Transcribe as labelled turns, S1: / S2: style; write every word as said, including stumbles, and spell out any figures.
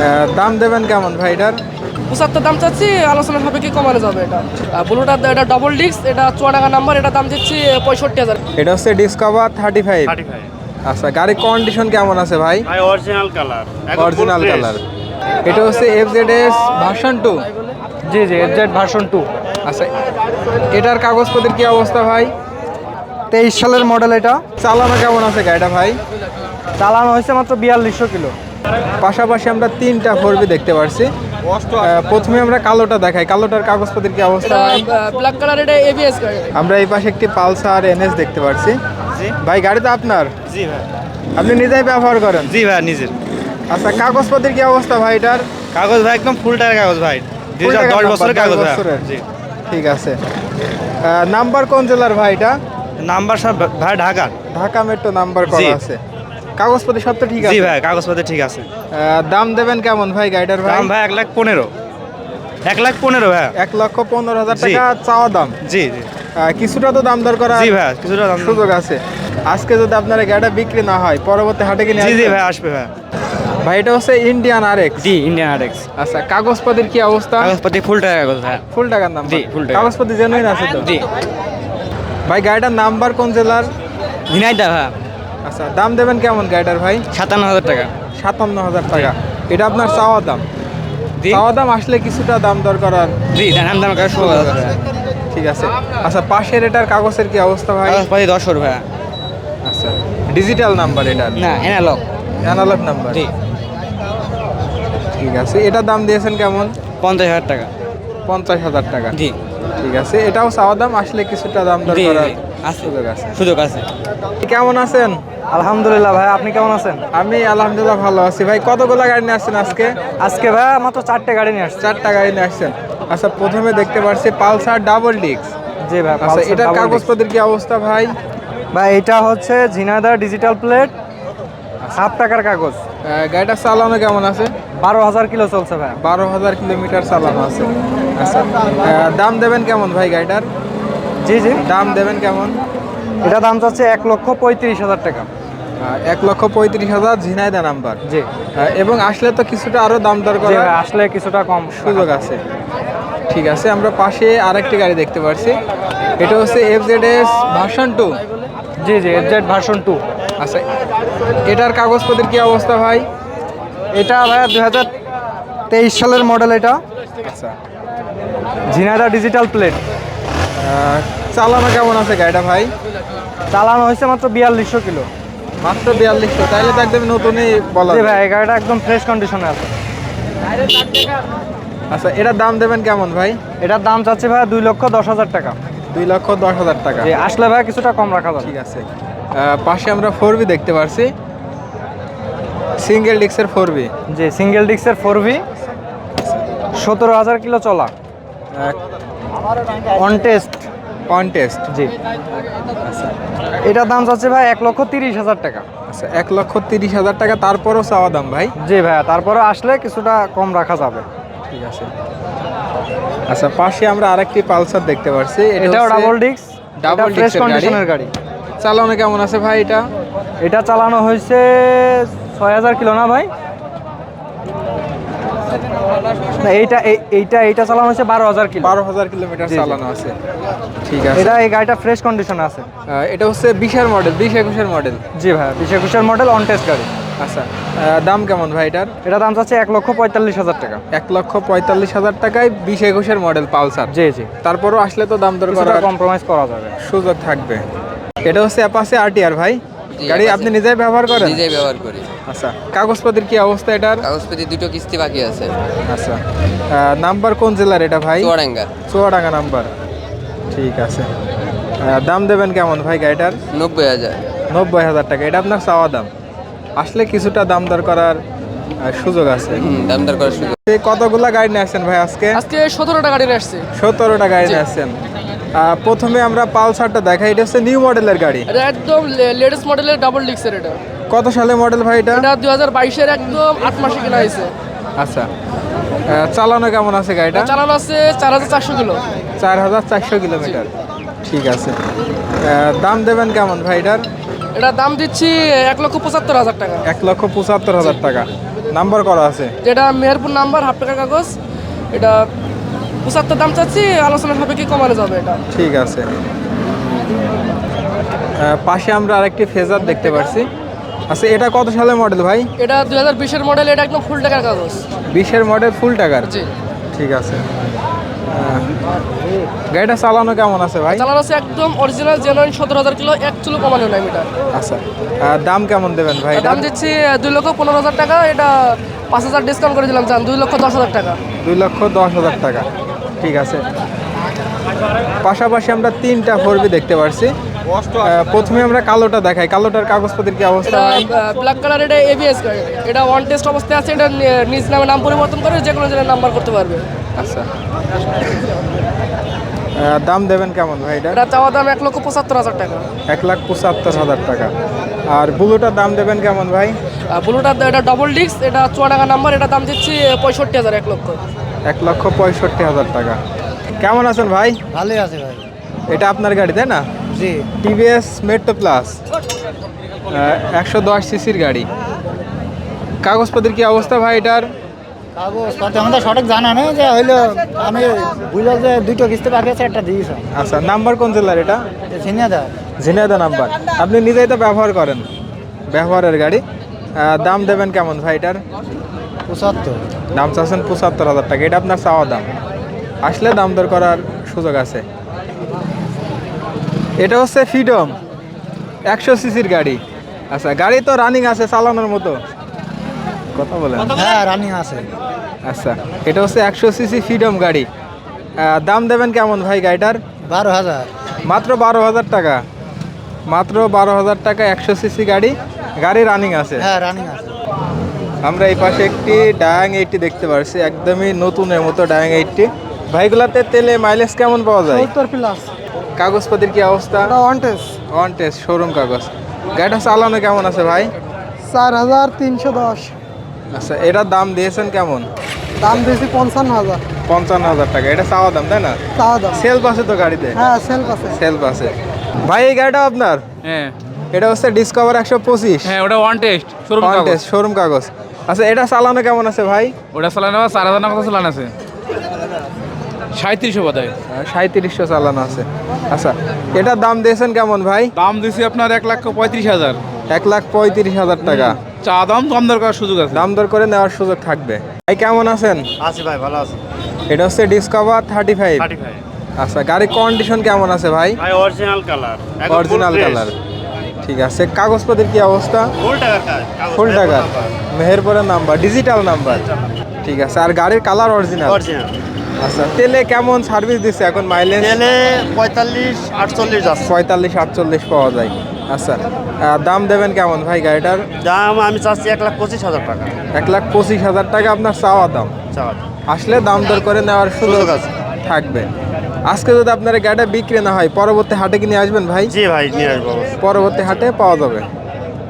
S1: দাম দেবেন কেমন ভাই এটার?
S2: পঁচাত্তর দাম চাচ্ছি, আলোচনা সাপেক্ষে কমানো যাবে। এটা ব্লুটা এটা ডবল ডিস্ক, এটা চুয়াডাঙ্গা নাম্বার, এটা দাম দিচ্ছি পঁয়ষট্টি হাজার।
S1: এটা হচ্ছে ডিসকভার থার্টি ফাইভ। আচ্ছা, গাড়ির কন্ডিশন কেমন আছে ভাই?
S3: Original colour,
S1: original colour. এটা হচ্ছে F Z S version two.
S2: জি জি এফ জেড ভার্সন টু।
S1: আচ্ছা, এটার কাগজপত্রের কি অবস্থা ভাই?
S2: তেইশ সালের মডেল। এটা
S1: চালানো কেমন আছে গাড়িটা ভাই?
S2: চালানো হয়েছে মাত্র বিয়াল্লিশশো কিলো।
S1: পাশাপাশি আমরা তিনটা ফোরবি দেখতে পারছি। আহ, প্রথমে আমরা কালোটা দেখাই, কালোটার কাগজপত্রের কি অবস্থা ভাই?
S2: ব্ল্যাক কালার, এটা এবিএস গাড়ি।
S1: আমরা এই পাশে একটি পালসার এনএস দেখতে পারছি। ভাই গাড়িটা আপনার?
S3: জি ভাই।
S1: আপনি নিজেই ব্যবহার করেন?
S3: জি ভাই, নিজের।
S1: আচ্ছা, কাগজপত্রের কি অবস্থা ভাই এটার?
S3: কাগজ ভাই একদম ফুল টায়ার কাগজ ভাই,
S1: Full টাকার
S3: দশ
S1: নাম্বার,
S3: বছরের
S1: দশ
S3: কাগজ ভাই।
S1: বছরের।
S3: জি।
S1: ঠিক আছে। আহ, নাম্বার কোন জেলার ভাই এটা?
S3: নাম্বার সব ভাই ঢাকা।
S1: ঢাকা মেট্রো নাম্বার
S3: জি।
S1: করা আছে। কাগজপত্র সব তো ঠিক
S3: জি
S1: আছে?
S3: ভাই, কাগজপত্র ঠিক আছে।
S1: আহ, দাম দেবেন কেমন ভাই গাড়িটার ভাই?
S3: দাম ভাই এক লাখ পনেরো। এক লাখ পনেরো ভাই।
S1: এক লক্ষ পনেরো হাজার
S3: জি।
S1: টাকা চাওয়া দাম।
S3: জি জি।
S1: আহ, কিছুটা তো দাম দর করা
S3: জি ভাই, কিছুটা দাম।
S1: সুযোগ আছে। আজকে যদি আপনার এই গাড়িটা বিক্রি না হয়, পরবর্তী হাটে কিনে
S3: জি জি ভাই, আসবে ভাই।
S1: ভাই এটা হচ্ছে ইন্ডিয়ান আর এক্স।
S3: জি, ইন্ডিয়ান আরএক্স।
S1: আচ্ছা, কাগজপত্রের কি অবস্থা?
S3: কাগজপত্র ফুল টায়ার কাগজ ভাই।
S1: ফুল টাকার নাম্বার?
S3: জি, full টাকা।
S1: কাগজপত্র জেনুইন আছে তো?
S3: জি।
S1: ভাই গাড়িটার নাম্বার কোন জেলার?
S3: ঝিনাইদহ ভাই।
S1: আচ্ছা, দাম দেবেন কেমন গাড়িটার ভাই?
S3: সাতান্ন হাজার টাকা।
S1: সাতান্ন হাজার টাকা। এটা আপনার চাওয়া দাম?
S3: জি
S1: চাওয়া দাম আসলে কিছুটা দাম দর করার
S3: জি, দাম দাম করে ষোলো হাজার টাকা।
S1: ঠিক আছে। আচ্ছা, পাশের এটার কাগজের কি অবস্থা ভাই?
S3: কাগজপত্র দশ ভাই।
S1: আচ্ছা, ডিজিটাল নাম্বার এটার?
S3: না, এনালগ।
S1: Analogue number?
S3: জি।
S1: ঠিক আছে। এটার দাম দিয়েছেন কেমন?
S3: পঞ্চাশ হাজার টাকা।
S1: পঞ্চাশ হাজার টাকা।
S3: জি
S1: ঠিক আছে, এটাও চাওয়া দাম, আসলে কিছুটা দাম দর
S3: জি,
S1: করার
S3: জি, আছে।
S1: সুযোগ আছে।
S3: সুযোগ আছে।
S1: কেমন আছেন?
S2: আলহামদুলিল্লাহ ভাই, আপনি কেমন আছেন?
S1: আমি আলহামদুলিল্লাহ ভালো আছি। ভাই কতগুলো গাড়ি নিয়ে আসছেন আজকে?
S2: আজকে ভাই মাত্র চারটে গাড়ি নিয়ে আসছে।
S1: চারটা গাড়ি নিয়ে আসছেন। আচ্ছা, প্রথমে দেখতে পাচ্ছি পালসার ডাবল ডিস্ক।
S2: জি ভাই।
S1: আচ্ছা,
S2: Pulsar
S1: এটার
S2: double disc।
S1: কাগজপত্রের কি অবস্থা ভাই?
S2: ভাই এটা হচ্ছে ঝিনাইদহ ডিজিটাল প্লেট, হাফ টাকার কাগজ।
S1: আহ, গাড়িটা চালানো কেমন আছে?
S2: বারো হাজার কিলো চলছে ভাই।
S1: বারো হাজার কিলোমিটার চালানো আছে। আচ্ছা, আহ, দাম দেবেন কেমন ভাই গাড়িটার?
S2: জি জি।
S1: দাম দেবেন কেমন?
S2: এটা দাম চাচ্ছে এক লক্ষ পঁয়ত্রিশ হাজার টাকা।
S1: আহ, এক লক্ষ পঁয়ত্রিশ হাজার ঝিনাইদহ নাম্বার।
S2: জি
S1: আহ, এবং আসলে তো কিছুটা আরো দাম দর
S2: জি
S1: করার
S2: ভাই, আসলে কিছুটা কম
S1: সুযোগ আছে। ঠিক আছে, আমরা পাশে আরেকটি গাড়ি দেখতে পাচ্ছি। এটা হচ্ছে F Z S version two.
S2: জি জি এফ জেড ভার্সন টু।
S1: আচ্ছা, এটার কাগজপত্রের কি অবস্থা ভাই?
S2: এটা ভাই দুই হাজার তেইশ সালের মডেল। এটা
S1: আচ্ছা,
S2: ঝিনাইদহ ডিজিটাল প্লেট।
S1: আহ, চালানো কেমন আছে গাড়িটা ভাই?
S2: চালানো হয়েছে মাত্র বিয়াল্লিশশো কিলো।
S1: মাত্র বিয়াল্লিশশো? তাইলে তো একদম নতুনই বলা
S2: জি
S1: যায়।
S2: ভাই, এই গাড়িটা একদম ফ্রেশ কন্ডিশনে আছে।
S1: আচ্ছা, এটার দাম দেবেন কেমন ভাই?
S2: এটার দাম চাচ্ছে ভাই দুই লক্ষ দশ হাজার টাকা।
S1: দুই লক্ষ দশ হাজার টাকা।
S2: জি, আসলে ভাই কিছুটা কম রাখা যাবে।
S1: ঠিক আছে। আহ, পাশে আমরা ফোর বি দেখতে পাচ্ছি, সিঙ্গেল ডিক্সের ফোর বি।
S2: জি, সিঙ্গেল ডিস্কের ফোর ভি, সতেরো হাজার কিলো চলা, অন টেস্ট।
S1: কন্টেস্ট।
S2: জি। এটার দাম চাচ্ছে ভাই এক লক্ষ তিরিশ হাজার টাকা।
S1: আচ্ছা, এক লক্ষ তিরিশ হাজার টাকা, তারপরও চাওয়া দাম ভাই?
S2: জি ভাইয়া, তারপরে আসলে কিছুটা কম রাখা যাবে।
S1: ঠিক আছে। আচ্ছা, পাশে আমরা আরেকটি পালসার দেখতে পাচ্ছি।
S2: এটাও double disc,
S1: double
S2: double fresh
S1: ডিস্কের
S2: কন্ডিশনের
S1: গাড়ি।
S2: গাড়ি।
S1: চালানো কেমন আছে ভাই এটা?
S2: এটা চালানো হয়েছে ছয় হাজার কিলো না ভাই? না, এইটা এই- এইটা এইটা চালানো হয়েছে বারো হাজার কিলো।
S1: বারো হাজার কিলোমিটার
S2: জি, জি।
S1: চালানো আছে। ঠিক আছে।
S2: এটা এই গাড়িটা ফ্রেশ কন্ডিশনে আছে।
S1: আহ, এটা হচ্ছে বিশের মডেল, বিশ একুশের মডেল।
S2: জি ভাই, বিশ একুশের মডেল, অন টেস্ট গাড়ি।
S1: আচ্ছা, আহ, দাম কেমন ভাই এটার?
S2: এটা দাম চাচ্ছে এক লক্ষ পঁয়তাল্লিশ হাজার টাকা।
S1: এক লক্ষ পঁয়তাল্লিশ হাজার টাকায় বিশ একুশের মডেল পালসার।
S2: জি জি,
S1: তারপরও আসলে তো দাম দর
S2: কিছুটা
S1: করার
S2: কম্প্রোমাইজ করা যাবে।
S1: সুযোগ থাকবে। এটা হচ্ছে অ্যাপাচে আরটিআর ভাই। গাড়ি আপনি নিজেই ব্যবহার করেন?
S4: নিজেই ব্যবহার করি।
S1: আচ্ছা, কাগজপত্রের কি অবস্থা এটার?
S4: কাগজপত্র দুটো কিস্তি বাকি আছে।
S1: আচ্ছা, আহ, নাম্বার কোন জেলার এটা ভাই?
S4: চুয়াডাঙ্গা।
S1: চুয়াডাঙ্গা নাম্বার। ঠিক আছে। আহ, দাম দেবেন কেমন ভাই গাড়িটার?
S4: নব্বই হাজার।
S1: নব্বই হাজার টাকা। এটা আপনার চাওয়া দাম, আসলে কিছুটা দাম দর করার আহ, সুযোগ আছে।
S4: হুম, দাম দর করার সুযোগ।
S1: এই কতগুলা গাড়ি নিয়ে আসছেন ভাই আজকে?
S2: আজকে সতেরোটা গাড়ি নিয়ে আসছে।
S1: সতেরোটা গাড়ি নিয়ে আসছেন। আহ, প্রথমে আমরা পালসারটা দেখাই। এটা হচ্ছে নিউ মডেলের গাড়ি।
S2: এটা একদম লেটেস্ট মডেলের ডাবল ডিস্কের। এটা
S1: কত সালে মডেল ভাই এটা?
S2: এটা দুই হাজার বাইশের একদম আট মাসে কেনা হয়েছে।
S1: আচ্ছা, আহ, চালানো কেমন আছে গাড়িটা?
S2: চালানো আছে চার হাজার চারশো কিলো।
S1: চার হাজার চারশো কিলোমিটার। ঠিক আছে। আহ, দাম দেবেন কেমন ভাই এটার?
S2: এটা দাম দিচ্ছি এক লক্ষ পঁচাত্তর হাজার টাকা।
S1: এক লক্ষ পঁচাত্তর হাজার টাকা। নাম্বার করা আছে।
S2: যেটা মেহেরপুর নাম্বার, হাফ টাকার কাগজ। এটা পঁচাত্তর দাম চাচ্ছি, আলোচনা সাপেক্ষে কমানো যাবে এটা।
S1: ঠিক আছে। আহ, পাশে আমরা আরেকটি ফেজার দেখতে পাচ্ছি। আচ্ছা, এটা কত সালের মডেল ভাই?
S2: এটা দুই হাজার বিশের মডেল, এটা একদম ফুল টাকার কাগজ।
S1: বিশের মডেল, ফুল টাকার।
S2: জি।
S1: ঠিক আছে। আহ, গাড়িটা চালানো কেমন আছে ভাই?
S2: চালানো আছে একদম অরিজিনাল জেনুইন, সতেরো হাজার কিলো, এক চুলো কমানো নাই মিটার।
S1: আচ্ছা, আহ, দাম কেমন দেবেন ভাই?
S2: দাম দিচ্ছি দুই লক্ষ পনেরো হাজার টাকা, এটা পাঁচ হাজার ডিসকাউন্ট করে দিলাম, চান দুই লক্ষ দশ হাজার টাকা।
S1: দুই লক্ষ দশ হাজার টাকা। ঠিক আছে। পাশাপাশি আমরা তিনটা ফোরবি দেখতে পাচ্ছি। আহ, প্রথমে আমরা কালোটা দেখাই। কালোটার কাগজপত্রের কি অবস্থা
S2: এটা
S1: ভাই?
S2: ব্ল্যাক কালার, এটা এবিএস গাড়ি, এটা ওয়ান টেস্ট অবস্থায় আছে। এটা নি- নিজ নামে নাম পরিবর্তন করে যে কোনো জেলার নাম্বার করতে পারবে।
S1: আচ্ছা, আহ, দাম দেবেন কেমন ভাই এটা?
S2: এটা চাওয়া দাম এক লক্ষ পঁচাত্তর হাজার টাকা।
S1: এক লাখ পঁচাত্তর হাজার টাকা। আর বুলুটার দাম দেবেন কেমন ভাই?
S2: ব্লুটা এটা ডবল ডিস্ক, এটা চুয়াডাঙ্গা নাম্বার, এটা দাম দিচ্ছি পঁয়ষট্টি হাজার, এক লক্ষ।
S1: এক লক্ষ পঁয়ষট্টি হাজার টাকা। কেমন আছেন ভাই?
S3: ভালোই আছে ভাই।
S1: এটা আপনার গাড়ি তাই না?
S3: জি।
S1: টিভিএস মেট্রো প্লাস, একশো দশ সিসির গাড়ি। কাগজপত্রের কি অবস্থা ভাই এটার?
S3: কাগজপত্র আমাদের সঠিক জানা নেই, যে হইলো আমি বুঝলাম যে দুটো কিস্তি বাকি আছে, একটা দিয়েছি।
S1: আচ্ছা, নাম্বার কোন জেলার এটা?
S3: ঝিনাইদহ।
S1: ঝিনাইদহ নাম্বার। আপনি নিজেই তো ব্যবহার করেন, ব্যবহারের গাড়ি। আহ, দাম দেবেন কেমন ভাই এটার?
S3: পঁচাত্তর।
S1: দাম চাচ্ছেন পঁচাত্তর হাজার টাকা। এটা আপনার চাওয়া দাম, আসলে দাম দর করার সুযোগ আছে। এটা হচ্ছে ফ্রিডম, একশো সিসির গাড়ি। আচ্ছা, গাড়ি তো রানিং আছে, চালানোর মতো। কথা বলেন।
S3: হ্যাঁ, রানিং আছে।
S1: আচ্ছা, এটা হচ্ছে একশো সিসি ফ্রিডম গাড়ি। আহ, দাম দেবেন কেমন ভাই গাড়িটার?
S3: বারো হাজার।
S1: মাত্র বারো হাজার টাকা। মাত্র বারো হাজার টাকা, একশো সিসি গাড়ি। গাড়ি রানিং আছে।
S3: হ্যাঁ, রানিং আছে।
S1: আমরা এই পাশে একটি ডায়াং এইটটি দেখতে পাচ্ছি, একদমই নতুনের মতো ডায়াং এইটটি। ভাইগুলাতে তেলে মাইলেজ কেমন পাওয়া যায়?
S2: সত্তর প্লাস।
S1: কাগজপত্রের কি অবস্থা?
S2: One test,
S1: on test, showroom কাগজ। গাড়িটা চালানো কেমন আছে ভাই?
S2: চার হাজার তিনশো দশ।
S1: আচ্ছা, এটার দাম দিয়েছেন কেমন?
S2: দাম দিয়েছি পঞ্চান্ন হাজার।
S1: পঞ্চান্ন হাজার টাকা। এটা চাওয়া দাম তাই না?
S2: চাওয়া দাম।
S1: সেলফ আছে তো গাড়িতে?
S2: হ্যাঁ, সেলফ আছে।
S1: সেলফ আছে। ভাই এই গাড়িটা আপনার?
S5: হ্যাঁ
S1: এটা হচ্ছে ডিসকভার একশো পঁচিশ।
S5: হ্যাঁ ওটা one test showroom
S1: on test, showroom কাগজ। আচ্ছা, এটা চালানো কেমন আছে ভাই?
S5: ওটা চালানো চার হাজার টাকা চালানো আছে, সাঁত্রিশশো বোধ হয়।
S1: সাঁত্রিশশো চালানো আছে। আচ্ছা, এটার দাম দিয়েছেন কেমন ভাই?
S5: দাম দিয়েছি আপনার এক লাখ পঁয়ত্রিশ হাজার।
S1: এক লাখ পঁয়ত্রিশ হাজার টাকা।
S5: চা দাম কম দরকার সুযোগ আছে।
S1: দাম দর করে নেওয়ার সুযোগ থাকবে। ভাই কেমন আছেন?
S3: আছি ভাই, ভালো আছে।
S1: এটা হচ্ছে ডিসকভার থার্টি ফাইভ। আচ্ছা, গাড়ির কন্ডিশন কেমন আছে ভাই?
S6: ভাই অরিজিনাল কালার,
S1: অরিজিনাল কালার। ঠিক আছে। কাগজপত্রের কি অবস্থা?
S6: ফুল টাকার কাজ,
S1: ফুল টাকা, মেহেরপুরের নাম্বার, ডিজিটাল নাম্বার। ঠিক আছে। আর গাড়ির কালার অরিজিনাল।
S6: অরিজিনাল।
S1: আচ্ছা, তেলে কেমন সার্ভিস দিচ্ছে এখন? মাইলেজ
S6: তেলে পঁয়তাল্লিশ আটচল্লিশ যাচ্ছে।
S1: পঁয়তাল্লিশ আটচল্লিশ পাওয়া যায়। আচ্ছা, আহ, দাম দেবেন কেমন ভাই গাড়িটার?
S6: দাম আমি চাচ্ছি এক লাখ পঁচিশ হাজার টাকা।
S1: এক লাখ পঁচিশ হাজার টাকা আপনার চাওয়া দাম।
S6: চাওয়া
S1: আসলে দাম দর করে নেওয়ার সুযোগ
S6: সুযোগ আছে।
S1: থাকবে। আজকে যদি আপনার এই গাড়িটা বিক্রি না হয়, পরবর্তী হাটে কি নিয়ে আসবেন ভাই?
S6: জি ভাই, নিয়ে আসবো অবশ্যই।
S1: পরবর্তী হাটে পাওয়া যাবে।